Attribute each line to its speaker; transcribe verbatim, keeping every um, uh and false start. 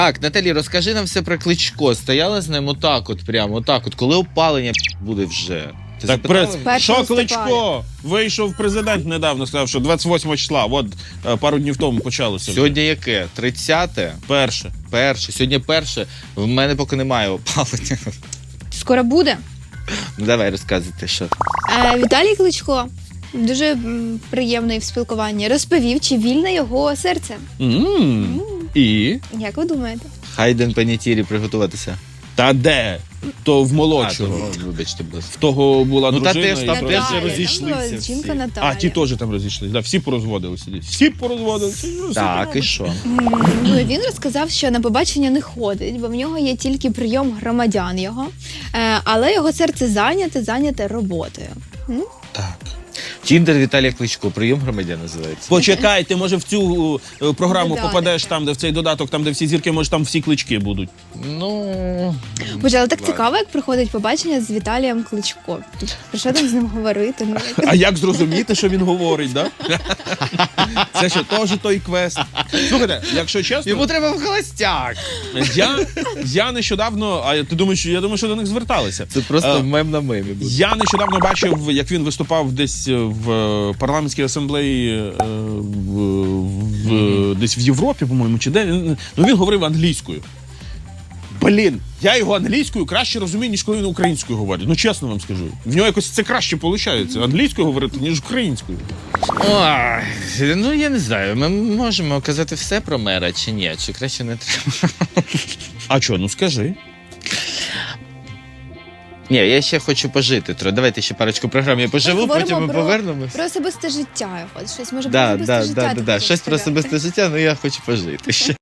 Speaker 1: Так, Наталі, розкажи нам все про Кличко. Стояла з ним отак от, прямо отак от. Коли опалення буде вже? Ти
Speaker 2: Так,
Speaker 1: запитала?
Speaker 2: прес...
Speaker 3: Першого
Speaker 2: що
Speaker 3: листопада.
Speaker 2: Кличко? Вийшов президент недавно, сказав, що двадцять восьмого числа, от е, пару днів тому почалося.
Speaker 1: Сьогодні яке? тридцяте?
Speaker 2: Перше.
Speaker 1: Перше. Сьогодні перше. В мене поки немає опалення.
Speaker 3: Скоро буде.
Speaker 1: Ну, давай розказуйте, що.
Speaker 3: Е, Віталій Кличко, дуже м, приємний в спілкуванні, розповів, чи вільне його серце.
Speaker 2: М. І?
Speaker 3: Як ви думаєте?
Speaker 1: Хайден панітірі приготуватися.
Speaker 2: Та де? То в
Speaker 1: А,
Speaker 2: молодшого.
Speaker 1: то, ну, вибачте, будь ласка.
Speaker 2: В того була
Speaker 1: Ну, та
Speaker 2: дружина.
Speaker 1: теж
Speaker 2: і
Speaker 1: там
Speaker 2: про-
Speaker 1: теж
Speaker 3: Наталя,
Speaker 1: розійшлися
Speaker 3: там була
Speaker 1: всі.
Speaker 3: жінка
Speaker 2: А,
Speaker 3: Наталя.
Speaker 2: ті теж там розійшлися. Да, всі порозводилися. Всі порозводилися. Ну,
Speaker 1: Так,
Speaker 2: все
Speaker 1: і що?
Speaker 3: М, Ну, і він розказав, що на побачення не ходить, бо в нього є тільки прийом громадян його, Е, але його серце зайняте, зайняте роботою. М?
Speaker 2: Так.
Speaker 1: Тіндер Віталія Кличко. Прийом громадян називається.
Speaker 2: Почекай, ти може в цю е, програму
Speaker 3: Додаток.
Speaker 2: попадеш там, де в цей додаток, там, де всі зірки, може там всі клички будуть.
Speaker 1: Ну...
Speaker 3: Боже, але так
Speaker 1: Ладно.
Speaker 3: цікаво, як проходить побачення з Віталієм Кличко. Про що там з ним говорити? Ну, як-
Speaker 2: А як зрозуміти, що він говорить, да? Це що, теж той квест. Слухайте, якщо чесно,
Speaker 1: Йому треба в холостяк.
Speaker 2: я, я нещодавно, а ти думаєш, я думаю, що до них зверталися.
Speaker 1: Це просто
Speaker 2: Е,
Speaker 1: мем на мемі буде.
Speaker 2: Я нещодавно бачив, як він виступав десь в е, парламентській асамблеї е, в, в, десь в Європі, по-моєму, чи де. Ну він говорив англійською. Блін, я його англійською краще розумію, ніж коли він українською говорить. Ну чесно вам скажу. В нього якось це краще виходить англійською говорити, ніж українською.
Speaker 1: Ой, ну я не знаю, ми можемо казати все про мера чи ні, чи краще не треба.
Speaker 2: А що, ну скажи.
Speaker 1: Ні, я ще хочу пожити. Тро. Давайте ще парочку програм я поживу,
Speaker 3: говоримо
Speaker 1: потім ми
Speaker 3: про-
Speaker 1: повернемось.
Speaker 3: Про особисте життя його. Щось може
Speaker 1: Да,
Speaker 3: про особисте
Speaker 1: да,
Speaker 3: життя.
Speaker 1: да,
Speaker 3: ти
Speaker 1: да, да.
Speaker 3: хочеш
Speaker 1: Щось про
Speaker 3: сказати?
Speaker 1: особисте життя, ну я хочу пожити ще.